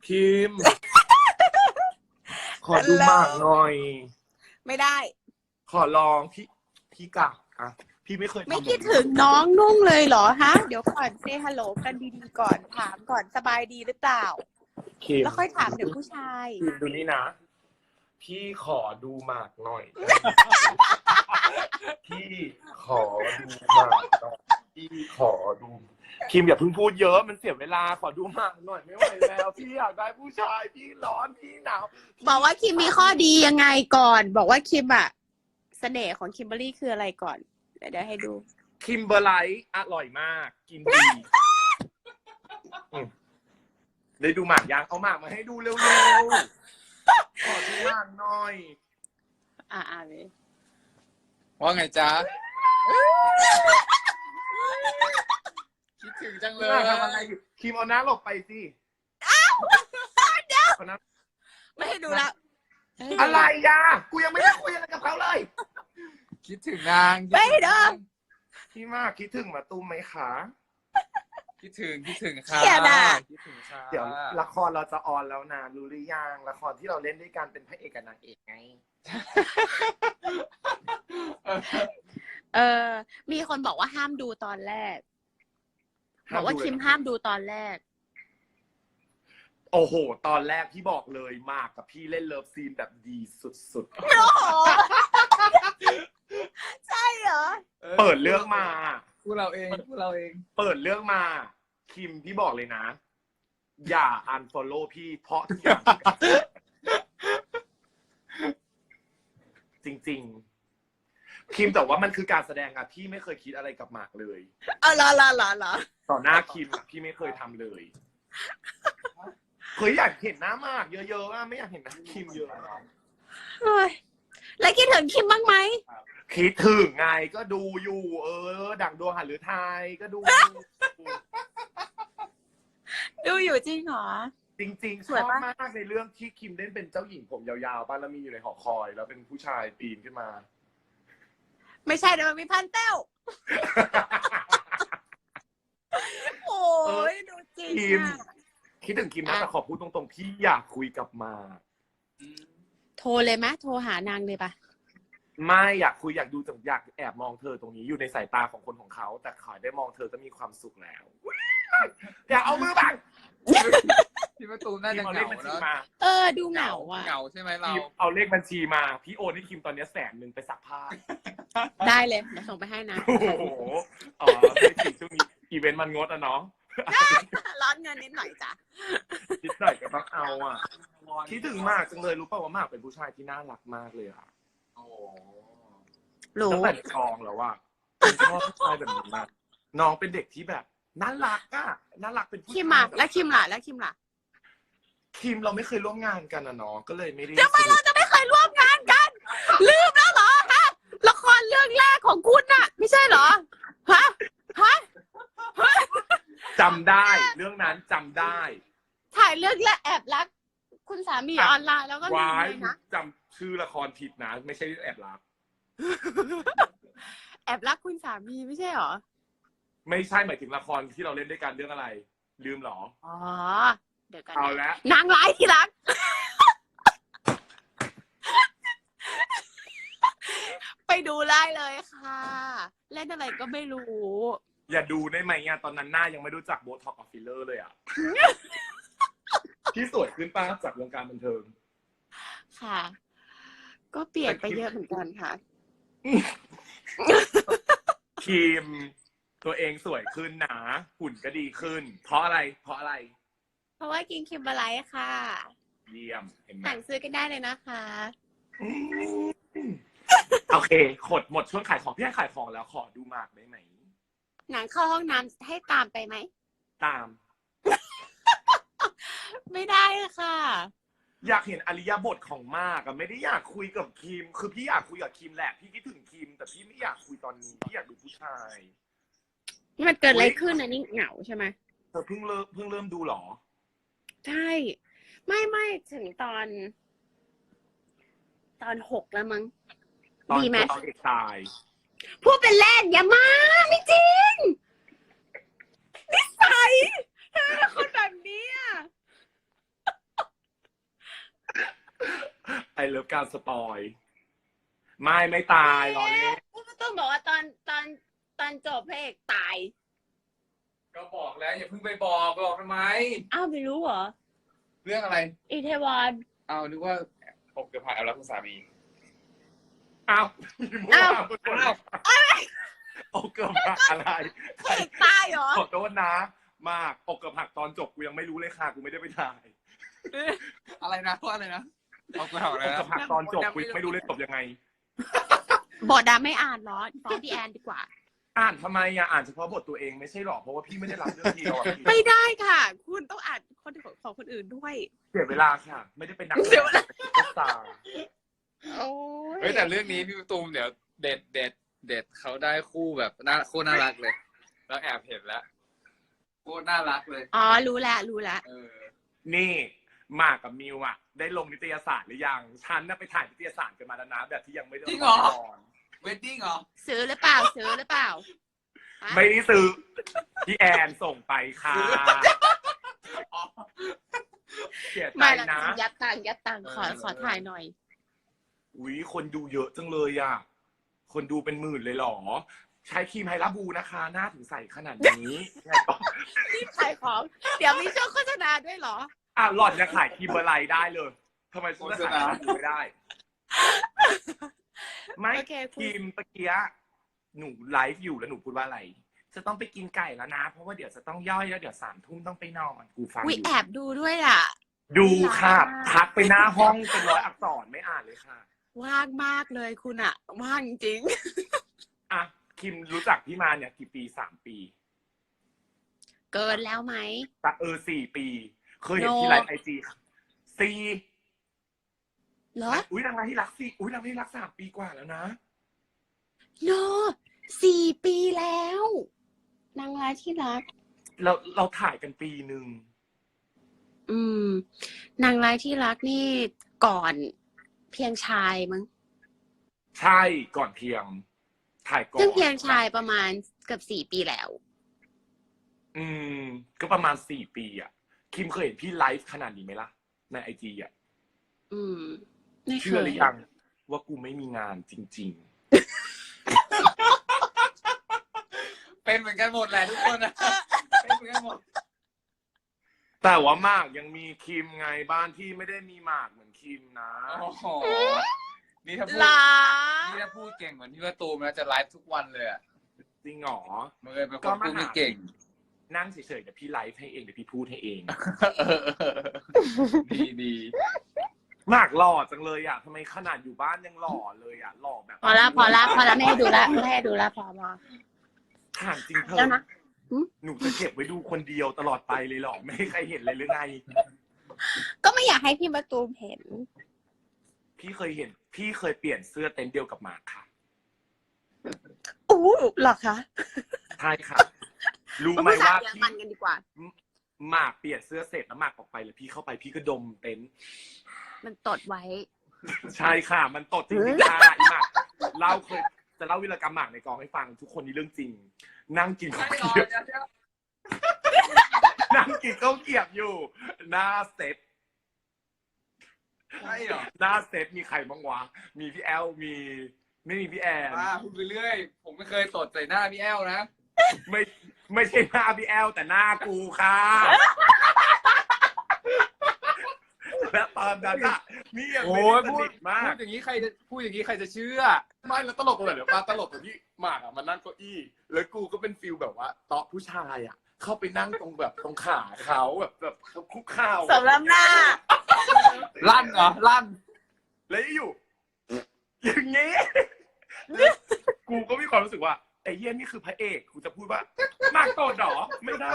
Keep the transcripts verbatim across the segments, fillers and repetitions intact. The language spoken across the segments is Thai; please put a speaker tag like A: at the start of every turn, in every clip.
A: คิม ขอดูหมากหน่อย
B: ไม่ได้
A: ขอลองพี่พี่กะอ่ะพี่ไม่เคย
B: ไม่คิดถึงน้องนุ่งเลยเหรอฮะเดี๋ยวก่อนเซฮัลโหลกันดีๆก่อนถามก่อนสบายดีหรือเปล่าแล้วค่อยถามเดี๋ยวผู้ชาย
A: ดูนี่นะพี่ขอดูหมากหน่อยพี่ขอดูหมากหน่อยพี่ขอดูคิมอย่าเพิ่งพูดเยอะมันเสียเวลาขอดูหมากหน่อยไม่ไหวแล้วพี่อยากได้ผู้ชายพี่ร้อนพี่หนาว
B: บอกว่าคิมมีข้อดียังไงก่อนบอกว่าคิมอะเสน่ห์ของคิมเบอรรี่คืออะไรก่อนเดี๋ยวให้ดู
A: คิมเบอร์ไลท์อร่อยมากกินดีได้ดูหมากยังเอาหมากมาให้ดูเร็วๆขอดูหมากหน่อย
B: อ่าๆเลย
C: ว่าไงจ๊ะคิดถึงจังเลย
A: ทำอะไรอยู่คิมเอาหน้าหลบไปสิ
B: อ้าวเดี๋ยวไม่ให้ดูแล้ว
A: อะไรอ่ะกูยังไม่ได้คุยอะไรกับเขาเลย
C: คิดถึงนาง
B: ไม่เด้อ
A: พี่มากคิดถึงมาตุ้มไหมคะ
C: คิดถึงคิดถึงค่ะคิดถึงค่ะ
A: เดี๋ยวละครเราจะออนแล้วนะรู้หรือยังละครที่เราเล่นด้วยกันเป็นพระเอกกับนางเอกไง
B: เออมีคนบอกว่าห้ามดูตอนแรกบอกว่าคิมห้ามดูตอนแรก
A: โอ้โหตอนแรกพี่บอกเลยมากกับพี่เล่นเลิฟซีนแบบดีสุดๆ
B: โอ้โหใช่เหรอ
A: เปิดเรื่องมา
C: พูดเราเองพูดเราเอง
A: เปิดเรื่องมาคิมพี่บอกเลยนะอย่าอันฟอลโล่พี่เพราะทุกอย่างจริงๆคิมแต่ว่ามันคือการแสดงอะพี่ไม่เคยคิดอะไรกับหมากเลย
B: เออเหรอเหรอเหรอ
A: ต่อหน้าคิมอะพี่ไม่เคยทำเลยเคยอยากเห็นหน้าหมากเยอะๆอะไม่อยากเห็นหน้าคิมเยอะ
B: แล้วคิดถึงคิมบ้างไหม
A: คิดถึงไงก็ดูอยู่เออดั่งดวงหฤทัยก็ดู
B: ดูอยู่จริงเหรอ
A: จริงๆชอบมากในเรื่องที่คิมเล่นเป็นเจ้าหญิงผมยาวๆป้าแล้วมีอยู่ในหอคอยแล้วเป็นผู้ชายปีนขึ้นมา
B: ไม่ใช่แต่มันมีพันเต้วโอ้ยดูจริงคิม
A: คิดถึงคิมนะแต่ขอพูดตรงๆพี่อยากคุยกับมา
B: โทรเลยไหมโทรหานางเลยปะ
A: ไม่อยากคุยอยากดูแต่อยากแอบมองเธอตรงนี้อยู่ในสายตาของคนของเขาแต่ขอได้มองเธอก็มีความสุขแล้วอยากเอามือบัง
C: พี่ประตูน่าจะเหงาเนาะ
B: เออดูเหงาอ่ะ
C: เหงาใช่ไหมเรา
A: เอาเลขบัญชีมาพี่โอนให้คิมตอนนี้แสนหนึ่งไปซักผ้า
B: ได้เลยเดี๋ยวส่งไปให้นะ
A: โอ้โหอ๋อไม่ถึงช่วงนี้อีเวนต์มันงดอ่ะเนาะ
B: ร้อนเงินนิดหน่อยจ้ะ
A: นิดหน่อยก็ต้องเอาอ่ะคิดถึงมากจังเลยรู้ป่าวว่ามากเป็นผู้ชายที่น่ารักมากเลยอ่ะ
C: โอ้
A: รู้ตั้งแต่กองแล้วว่าชอบผู้ชายแบบนี้มากน้องเป็นเด็กที่แบบน่ารักอ่ะน่ารักเป็นผู้ชาย
B: คิมอ่ะแล้วคิมล่ะแล้วคิมล่ะ
A: คิมเราไม่เคยร่วมงานกันนะเนาะก็เลยไม่ได้
B: ทำไมเราจะไม่เคยร่วมงานกันลืมแล้วเหรอฮะละครเรื่องแรกของคุณน่ะไม่ใช่เหรอฮะฮะ
A: จำได้เรื่องนั้นจำได้
B: ถ่ายเรื่องแรกแอบรักคุณสามีออนไลน์แล้วก็มีนะ
A: จำชื่อละครผิดนะไม่ใช่แอบรัก
B: แอบรักคุณสามีไม่ใช่เหรอ
A: ไม่ใช่หมายถึงละครที่เราเล่นด้วยกันเรื่องอะไรลืมหรอ
B: อ๋อเดี๋ยวกัน
A: เอาแล้ว
B: นางร้ายที่รักไปดูได้เลยค่ะเล่นอะไรก็ไม่รู้
A: อย่าดูได้ไหมอ่ะตอนนั้นหน้ายังไม่รู้จักโบท็อกกับฟิลเลอร์เลยอ่ะที่สวยขึ้นป้าจากวงการบันเทิง
B: ค่ะก็เปลี่ยนไปเยอะเหมือนกันค่ะ
A: คิมตัวเองสวยขึ้นนะหุ่นก็ดีขึ้นเพราะอะไรเพราะอะไร
B: เพราะว่ากินคิมเบอร์ไลท์ค่ะ
A: เยี่ยมเห็นไหม
B: สั่งซื้อกันได้เลยนะคะ
A: โอเคขดหมดช่วงขายของพี่ให้ขายของแล้วขอดูหมากได้ไหม
B: หนังเข้าห้องน้ำให้ตามไปไหม
A: ตาม
B: ไม่ได้ค่ะ
A: อยากเห็นอริยบทของมากอะไม่ได้อยากคุยกับคิมคือพี่อยากคุยกับคิมแหละพี่คิดถึงคิมแต่พี่ไม่อยากคุยตอนนี้พี่อยากดูผู้ชาย
B: นี่มันเกิดอะไรขึ้นนะนี่เหงาใช่ไหม
A: เธอเพิ่งเริ่มเพิ่งเริ่มดูหรอ
B: ใช่ไม่ไม่ถึงตอนตอนหกแล้วมั้งดีไหม
A: ตอนเอกตาย
B: พูดเป็นเล่นอย่ามาไม่จริงนิสัยเธอเป็นคนแบบนี้
A: ไอเลิฟการสปอยไม่ไม่ตายรอเล่น
B: พูดมาต้องบอกว่าตอนตอนตอนจบพระเอกตาย
C: ก็บอกแล้วอย่าเพิ่งไปบอกบอกทำไม
B: อ้าวไม่รู้เหรอ
C: เรื่องอะไร
B: อีเทวอน
C: เอานึกว่าผมจะผ่านเอารักคุณสามี
A: อ้าว
B: อ้าว
A: อ้าวโอ้เกือบหักอะไร
B: พระเอกตายเหรอ
A: ขอโทษนะมากอกเกือบหักตอนจบกูยังไม่รู้เลยค่ะกูไม่ได้ไปถ่าย
C: อะไรนะว่าอะไรนะเอาไปเอาอะไร
A: อก
C: นะ
A: เกือบหักตอนจบกูยังไม่รู้เลยจบยังไง
B: บทดาไม่อ่านเหรอฟ้องพี่แอนดีกว่า
A: อ่านทำไมอ่ะอ่านเฉพาะบทตัวเองไม่ใช่หรอเพราะว่าพี่ไม่ได้รับเรื่องเดียวอ่ะพี่
B: ไม่ได้ค่ะ คุณต้องอ่านคนของคนอื่นด้วย
A: เสียเวลาค่ะ ไม่ได้เป็นนัก
B: เสียเวลา
A: เป็นสตาร์
B: โอ้
C: เฮ้ยแต่เรื่องนี้พี่ตูมเดี๋ยวเด็ดเด็ดเด็ดเขาได้คู่แบบน่าโคตรน่ารักเลย แล้วแอบเห็นแล้วโคตรน่ารักเลย
B: อ๋อรู้แล้วรู้แล้ว
C: เออ
A: นี่หมากกับมิวอ่ะ ได้ลงนิตยสารหรือยังฉันน่ะไปถ่ายนิตยสารกันมาแล้วนะแบบที่ยังไม่ได้
C: จริงเหรอ
A: ละคร
C: เวดดิ้งเหรอ
B: ซื้อหรือเปล่าซื้อหรือเปล่าฮะ
A: ไม่ได้ซื้อพี่แอนส่งไปค่ะเสียใจ
B: ไม่ละ
A: นะ
B: ยัดตังค์ยัดตังค์ขอ
C: เออ
B: ขอถ่ายหน่อย
A: อุ้ยคนดูเยอะจังเลยอ่ะ คนดูเป็นหมื่นเลยเหรอ ใช้ครีมไฮลาบูนะคะ หน้าถึงใสขนาดนี้
B: รีบขายของ เดี๋ยวมีช่วงโฆษณาด้วยเหรอ
A: อ่ะหล่อนจะขายครีมอะไรได้เลยทำไมฉันจะขายครีมไม่ได้ ไม่
B: โอเค
A: ครีมตะเกียหนูไลฟ์อยู่แล้วหนูพูดว่าอะไร จะต้องไปกินไก่แล้วนะ เพราะว่าเดี๋ยวจะต้องย่อยแล้วเดี๋ยวสามทุ่มต้องไปนอนกูฟังอ
B: วิ
A: ยู่
B: แอบดูด้วยอ่ะ
A: ดูค่ะทักไปหน้าห้องเป็นร้อยอักษรไม่อ่านเลยค่ะ
B: ว่างมากเลยคุณอ่ะ ว่างจริง
A: อ่ะคิมรู้จักพี่มาเนี่ยกี่ปีสามปี
B: เกินแล้วไหม
A: แต่เออสี่ปี เคยเห็น
B: โน
A: ที่ไลฟ์ไอจีสี่
B: เหรอ
A: อุ้ยนางร้ายที่รักสี่อุ้ยนางร้ายที่รักสามปีกว่าแล้วนะ
B: โนสี่ปีแล้ว นางร้ายที่รัก
A: เราเราถ่ายกันปีหนึ่ง
B: อืม นางร้ายที่รักนี่ก่อนเพียงชายมั้ง
A: ใช่ก่อนเพียง ถ่ายก่อน
B: ซึ่งเพียงชายประมาณเกือบสี่ปีแล้ว
A: อืม ก็ประมาณสี่ปีอ่ะ คิมเคยเห็นพี่ไลฟ์ขนาดนี้ไหมล่ะ ในไอจีอ่ะ
B: อืม ไม่เค
A: เชื่อย หรือยังว่ากูไม่มีงานจริง
C: เป็นเหมือนกันหมดแหละทุกคนนะเป็นเหมือนกันหมด
A: ๆ แต่ว่าหมากยังมีคิมไงบ้านที่ไม่ได้มีหมากเหมือนคิมนะ
C: โอ้โหนี่ถ้าพูด
B: หรอ
C: นี่ถ้าพูดเก่งเหมือนที่ว่าตูมนะจะไลฟ์ทุกวันเลยอ่ะ
A: จริงเหรอ
C: มันเลยเป็นคนพูดไม่เก่ง
A: นั่งเฉยๆเดี๋ยวพี่ไลฟ์ให้เองเดี๋ยวพี่พูดให้เอง
C: เออดีดี
A: หมากหล่อจังเลยอ่ะทำไมขนาดอยู่บ้านยังหล่อเลยอ่ะหล่อแบบ
B: พอละพอละพอละไม่ให้ดูละไม่ให้ดูละพอพอ
A: ถามจริงเธ
B: แล้
A: อ
B: วนะ
A: หนูจะเก็บไว้ดูคนเดียวตลอดไปเลยเหรอไม่ให้ใครเห็นเลยหรือไง
B: ก็ไม่อยากให้พี่มาตูมเห็น
A: พี่เคยเห็น พี่เคยเปลี่ยนเสื้อเต็นท์เดียวกับหมากค่ะ
B: อู้หรอคะ
A: ใช่ค่ะ รู้
B: มา
A: ไหม
B: พูดสา
A: ว่าม
B: เยอร
A: พี่
B: มันกันดีกว่า
A: หมากเปลี่ยนเสื้อเสร็จแล้วหมากออกไปแล้วพี่เข้าไปพี่ก็ดมเต็นท์
B: มันตดไว้
A: ใช่ค่ะ มันตดจริงๆค่ะอีหมากเล่าเคยจะเล่าวิรกรรมหมากในกองให้ฟังทุกคนนี่เรื่องจริง นั่งกินข้าวเกรียบนั่งกินข้าวเกรียบอยู่ หน้าเซ็ต
C: ใช่เหรอ
A: หน้าเซ็ตมีใครบ้างวะมีพี่แอลมีไม่มีพี่แอน
C: ป้าพูดไปเรื่อย ผมไม่เคยตดใส่หน้าพี่แอลนะ
A: ไม่ไม่ใช่หน้าพี่แอลแต่หน้ากูค่ะ และตอนนั้นอะนี่ยัง
C: โอ้
A: ไม่
C: ย
A: ได้ส
C: พูด
A: นิทมาก
C: พูดอย่างนี้ใครจะพูดอย่างนี้ใครจะเชื่อ
A: ไม่แล้วตลกเลยเดี๋ยวป้าตลกตรงที่หมากอะมานั่งเก้าอี้ แล้วกูก็เป็นฟิลแบบว่าโต๊ะผู้ชายอะเข้าไปนั่งตรงแบบตรงขาเขาแบบแบบคุกเข่า
B: สำรับหน้า
C: ลั่นเหรอ ลั่น
A: แล้วอยู่ อย่างงี้แล้วกูก็มีความรู้สึกว่าไอ้เหี้ยนี่คือพระเอกกูจะพูดว่าหมากโตดหรอไม่ได้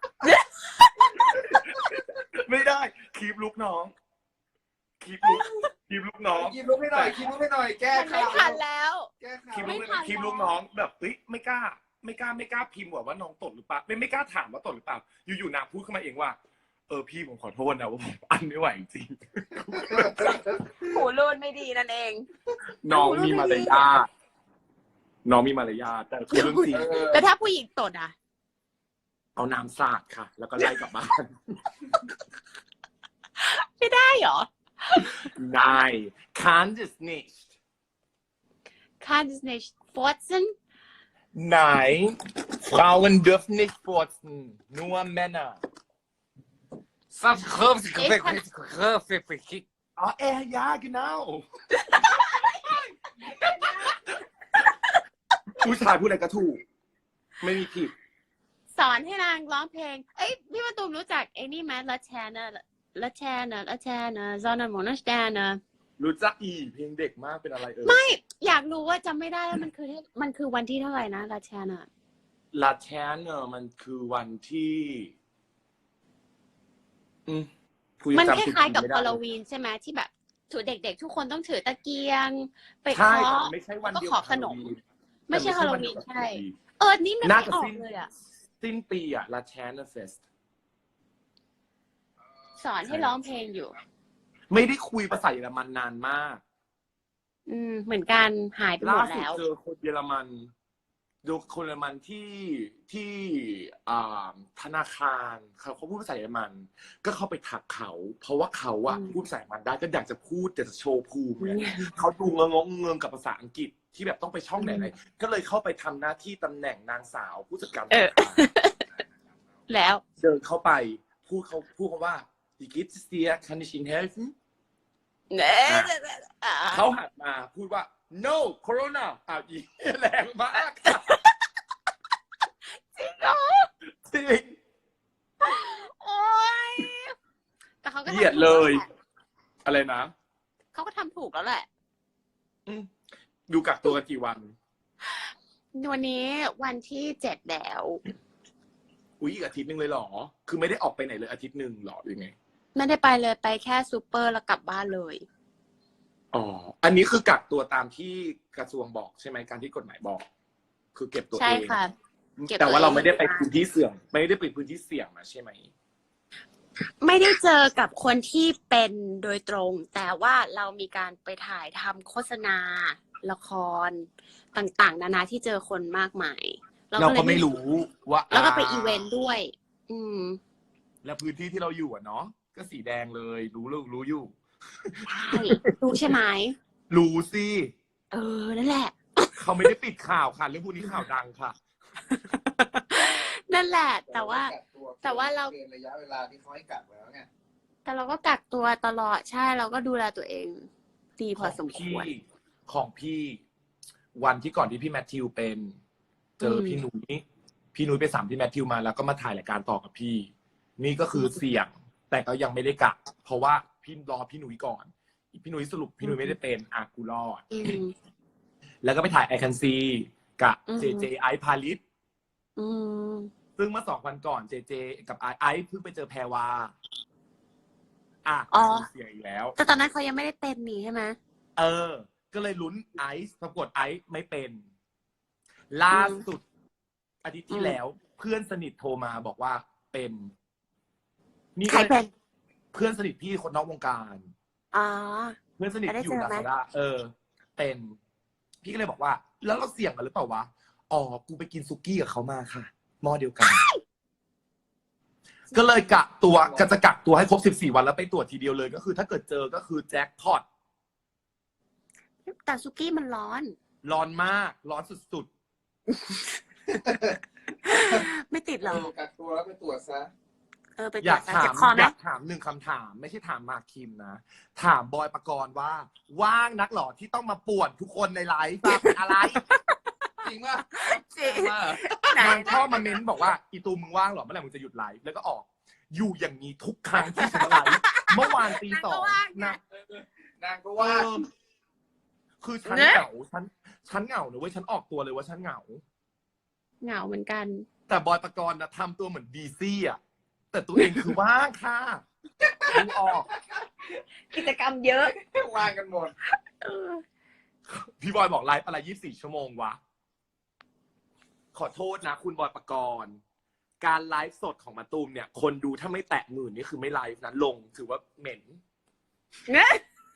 A: ไม่ได้คีบลูกน้องคีบลูกคีบลูกน้อง
C: คิดลุกให้หน่อยคิดลุกให้หน่อย แก้
B: มันไม่
C: ข่าว
B: ทันแล้ว
C: แก้ข่า
A: คีบ
C: ว
A: ลูก
B: ไม่ทัน
A: คีบลูกน้องแบบเฮ้ยไม่กล้า ไม่กล้าไม่กล้าพิมพ์ว่าว่าน้องตดหรือเปล่าไม่ไม่กล้าถามว่าตดหรือเปล่าอยู่ๆนางพูดขึ้นมาเองว่าเออพี่ผมขอโทษนะว่าผมอันไม่ไหวจริง
B: หูรูดไม่ดีนั่นเอง
A: น้องมีมารยาทน้องมีมารยาทแต่คือเรื่องจริง
C: เออ
B: แล้วถ้าผู้หญิงตดอ่ะ
A: เอาน้ำสาดค่ะ แล้วก็ไล่กลับบ้าน
B: ไม่ได้เหรอ
A: Nein, kann es nicht.
B: Kann es nicht furzen?
A: Nein, Frauen dürfen nicht furzen, nur Männer. Oh, er, ja, genau. ผู้ชายพูดอะไรก็ถูก ไม่มีผิด
B: สอนให้นางร้องเพลง เอ้ยพี่มาตูมรู้จักไอ้นี่ไหมละแชนะละแชนะละแชนะซอนาโมนาสแตนะ
A: รู้จักอีเพลงเด็กมากเป็นอะไรเอ่ย
B: ไม่อยากรู้ว่าจำไม่ได้แล้วมันคือมันคือวันที่เท่าไหร่นะละแชนะ
A: ลาแชนเนอร์มันคือวันที่ อืมพูดยัง
B: มัน
A: จำ
B: ค
A: ผิด
B: ล้ายๆกับ
A: ไม่
B: ฮ
A: ได้
B: อลโลวีนใช่ไหมที่แบบถือเด็กๆ ทุกคนต้องถือตะเกียง ไป
A: ใช่
B: เคาะ
A: แต่ไม่ใช่วันเดียว
B: ก็ขอขนม
A: กับ
B: ไม่ใช่ฮอลโลวีนใช่ เออนี่มัน
A: น่า
B: ไม่
A: จะ
B: ออก
A: สิ้น
B: เลยอ่ะ
A: สิ้นปีอะลาแชนเนอร์เฟส
B: สอนให้ร้องเพลงอยู่
A: ไม่ได้คุยภาษาเยอรมันนานมาก
B: อืมเหมือนกันหายไปหม
A: ล่า
B: ด
A: สุด
B: แล้ว
A: เจอคนเยอรมันดูคนเยอรมันที่ที่อ่าธนาคารเขาเขาพูดภาษาเยอรมัน ก็เข้าไปทักเขา เพราะว่าเขาอะ
B: อืม
A: พูดภาษาเยอรมันได้ก็อยากจะพูดอยากจะโชว์ภูมิเนี่ย
B: อืม
A: เขาดูงงงเงงกับภาษาอังกฤษที่แบบต้องไปช่องไหนไหนก็เลยเข้าไปทำหน้าที่ตำแหน่งนางสาวผู้จัดการธ
B: เออ
A: นาคาร
B: แล้ว
A: เดินเข้าไปพูดเขาพูดเขาว่า Wie geht es dir? Kann ich Ihnen helfen?
B: เน่อ่า
A: เขาหันมาพูดว่า no corona อ้าวอีแรงมากค่ะ
B: จริงเหรอ
A: จริง
B: โอ้ยแต่เขาก็
A: เหยียด
B: ทำถูก
A: เลย
B: แวแหะ
A: อะไรนะ
B: เขาก็ทำถูกแล้วแหละ
A: อืมดูกักตัวกันกี่วัน
B: วันนี้วันที่เจ็ดแล้ว
A: อุ้ยอีกอาทิตย์หนึ่งเลยเหรอ คือไม่ได้ออกไปไหนเลยอาทิตย์หนึ่งเหรอหรือไง
B: ไม่ได้ไปเลยไปแค่ซูเปอร์แล้วกลับบ้านเลย
A: อ๋อ อันนี้คือกักตัวตามที่กระทรวงบอกใช่ไหมการที่กฎหมายบอก คือเก็บตัวเอง
B: ใช่ค่ะ เก็บตัวเอง
A: แต่ว่าเราไม่ได้ไปพื้นที่เสี่ยง ไม่ได้ไปพื้นที่เสี่ยงนะใช่ไหม
B: ไม่ได้เจอกับคนที่เป็นโดยตรง แต่ว่าเรามีการไปถ่ายทำโฆษณา ละครต่างๆ นานาที่เจอคนมากมาย
A: เรา
B: ล
A: ก็
B: ย
A: ไม่รู้ว่า
B: แล้วก็ไปอีเวนต์ด้วย อืม
A: แล้วพื้นที่ที่เราอยู่อ่ะเนาะก็สีแดงเลย รู้รู้รู้อยู่
B: ใช่ รู้ใช่ไหม
A: รู้สิ
B: เออ นั่นแหละ
A: เขาไม่ได้ปิดข่าวค่ะเรื่องพวกนี้ข่าวดังค่ะ
B: นั่นแหละ แต่ว่า แต่ว่าเรา
D: เกินระยะเวลาที่เขาให้กักแล้วไง
B: แต่เราก็กักตัวตลอด ใช่ เราก็ดูแลตัวเอง ดีพอสมค
A: พี่
B: วร
A: ของพี่ วันที่ก่อนที่พี่แมทธิวเป็น เจออ
B: ม
A: พี่นุ้ยพี่นุ้ยไปสามพี่แมทธิวมาแล้วก็มาถ่ายรายการต่อกับพี่ นี่ก็คือเสี่ยง แต่ก็ยังไม่ได้กักเพราะว่าพี่รอพี่นุ้ยก่อน พี่นุ้ยสรุปพี่นุ้ยไม่ได้เป็นอากูรอด
B: อืม
A: แล้วก็ไปถ่ายไอคันซีกับ
B: อืม
A: เจเจไอซ์พาลิส
B: อืม
A: ซึ่งเมื่อสองวันก่อนเจเจกับไอซ์ไอซ์เพิ่งไปเจอแพรวาอ่ะ
B: อ๋อ
A: เสียงอีกแล้ว
B: แต่ตอนนั้นเขายังไม่ได้เป็นนี่ใช่ไหม
A: เออ ก็เลยลุ้นไอซ์ปรากฏไอซ์ไม่เป็น ล่าสุด อาทิตย์ที่
B: อืม
A: แล้ว เพื่อนสนิทโทรมาบอกว่าเป็นนี่
B: ใคร
A: ก็
B: เป็น
A: เพื่อนสนิทพี่คนนอกวงการ
B: อ๋อ
A: เพื่อนสนิท
B: ได้
A: อยู่
B: เจอ
A: ลา
B: ไหม
A: ซาด้าเออ เป็น พี่ก็เลยบอกว่า แล้วเราเสี่ยงกันหรือเปล่าวะอ๋อกูไปกินซุกี้กับเขามาค่ะหม้อเดียวกัน ก็เลยกักตัวก็จะกักตัวให้ครบสิบสี่วันแล้วไปตรวจทีเดียวเลย ก็คือถ้าเกิดเจอก็คือแจ็คพอต
B: แต่ซุกี้มันร้อน
A: ร้อนมาก ร้อนสุด
B: ไม่ติดหรอก
D: กักตัวแล้วไปตรวจซะ
B: เออไป
A: ๆ
B: ต
A: อ
B: รว
A: ยา
B: จ
A: ก
B: สาร
A: ถา
B: เจ็
A: ม
B: บคอไหม
A: อยากถามหนึ่งคำถาม ไม่ใช่ถามมากคิมนะ ถามบอยปกรณ์ว่า ว่างนักหรอที่ต้องมาป่วนทุกคนในไลฟ์อะเป็นอะไร
D: จริงป่ะ
B: จริง
D: ว่า
B: ไหน
A: นางชอบมาเม้นบอกว่าอีตูมมึงว่างเหรอเมื่อไหร่มึงจะหยุดไลฟ์แล้วก็ออก อยู่อย่างนี้ทุกครั้งที่ฉันไลฟ์เมื่อวานตีสองนะ
D: นางก็
A: เอ
D: ว่า
A: อคือฉันเหงาฉันฉันเหงานะเว้ยฉันออกตัวเลยว่าฉันเหงา
B: เหงาเหมือนกัน
A: แต่บอยปกรณ์นะทำตัวเหมือนดีซี่อ่ะแต่ตัวเองคือว่างค่ะดูออก
B: กิจกรรมเยอะ
D: ว่างกันหมด
B: เออ
A: พี่บอยบอกไลฟ์อะไรยี่สิบสี่ชั่วโมงวะ ขอโทษนะคุณบอยปกรณ์ การไลฟ์สดของมาตูมเนี่ย คนดูถ้าไม่แตะหมื่นนี่คือไม่ไลฟ์นะลงถือว่าเหม็น
B: เนี่ย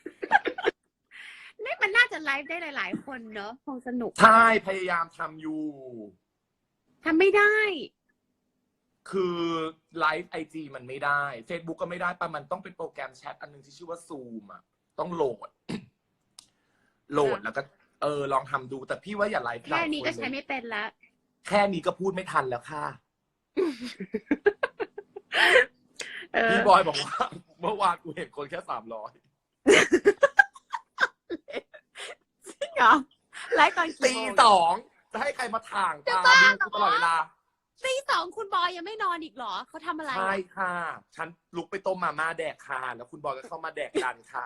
B: นี่มันน่าจะไลฟ์ได้หลายๆคนเนอะคงสนุก
A: ใช่พยายามทำอยู่
B: ทำไม่ได้
A: คือไลฟ์ไอจีมันไม่ได้ Facebook ก็ไม่ได้ปะมันต้องเป็นโปรแกรมแชทอันนึงที่ชื่อว่าซูมอ่ะต้องโหลด โหลดแล้วก็เออลองทำดูแต่พี่ว่าอย่าไลฟ์
B: แค่นี้ก็ใช้
A: เลย
B: ไม่เป็นละ
A: แค่นี้ก็พูดไม่ทันแล้วค่ะ
B: เออ
A: พี่บอยบอกว่า เมื่อวานกูเห็นคนแค่สามร้อย
B: จริงเหรอไลฟ์ตอน
A: ตี
B: กี่โมง
A: สองจะให้ใครมาถ่าง
B: จะ
A: ตา
B: บ้า
A: ดูกูตลอดเวลา
B: ตีสองคุณบอยยังไม่นอนอีกเหรอเขาทำอะไร
A: ใช่
B: อะ
A: ค่ะ ฉันลุกไปต้มมาม่าแดกค่ะ แล้วคุณบอยก็เข้ามาแดกดันค่ะ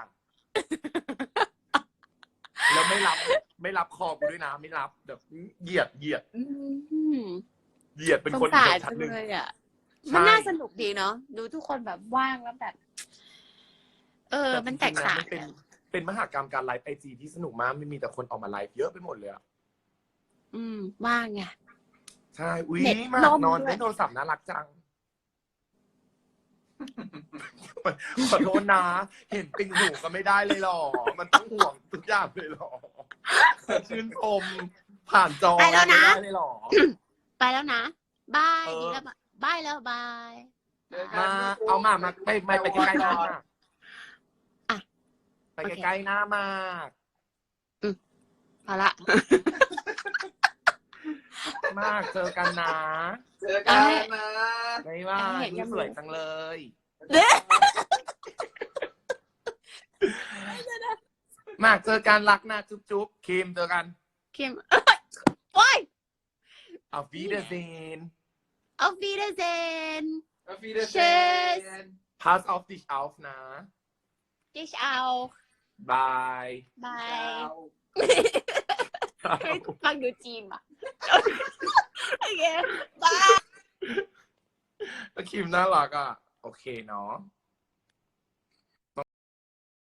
A: แล้วไม่รับไม่รับคอกูด้วยนะไม่รับแบบเหยียดเหยียด
B: อืม
A: เหยียดเป็น
B: ส
A: คน
B: งสาร
A: อีกชั้
B: จั
A: น
B: ง
A: หนึ่ง
B: เลยอ่ะ
A: ใช่
B: มันน่าสนุกดีเนาะดูทุกคนแบบว่างแล้วแบบ เออ มันแตกต่าง
A: จริๆนะมันเป็นเป็นมหากรรมการไลฟ์ไอจีที่สนุกมากไม่มีแต่คนออกมาไลฟ์เยอะไปหมดเลยอะ
B: อืมว่างไง
A: ใช่อุ้ย
B: เน็ต
A: มาก
B: ล่ม
A: นอน
B: ด้วย
A: เล่นโทรศัพท์น่ารักจัง ขอโทษนะ เห็นติ่งหูก็ไม่ได้เลยหรอ มันต้องห่วงทุกอย่างเลยหรอ ชื่นชมผ่านจอ
B: ไปแล้วนะ
A: ม่ได้เลยหรอ
B: ไปแล้วนะบาย
A: เออ
B: ดีแล้วบายแล้วบาย
D: เจอกัน
A: มาเอามามาไปไปไปใกล้ๆหน้ามา
B: อ่ะ
A: ไปใกล้ๆหน้ามาก
B: พอละ
A: มากเจอกันนะ
D: เจอกันนะ
A: ไม่ว่า
B: เห็นยัง
A: สวยจังเลย
B: เด้
A: มากเจอกันรักนะจุ๊บจุ๊บคิมเจอกัน
B: เข้มโอ้ย
A: เอาฟีเดเซน
B: เอาฟีเดเซน
D: Auf Wiedersehen.
B: Tschüss.
A: pass auf dich auf นะ
B: ดิชเอา
A: บาย
B: บาย
D: Ciao.
B: เฮ้ยฟังดูจีนอ่ะ โอเคบาย
A: คิมน่ารักอ่ะ โอเคเนาะ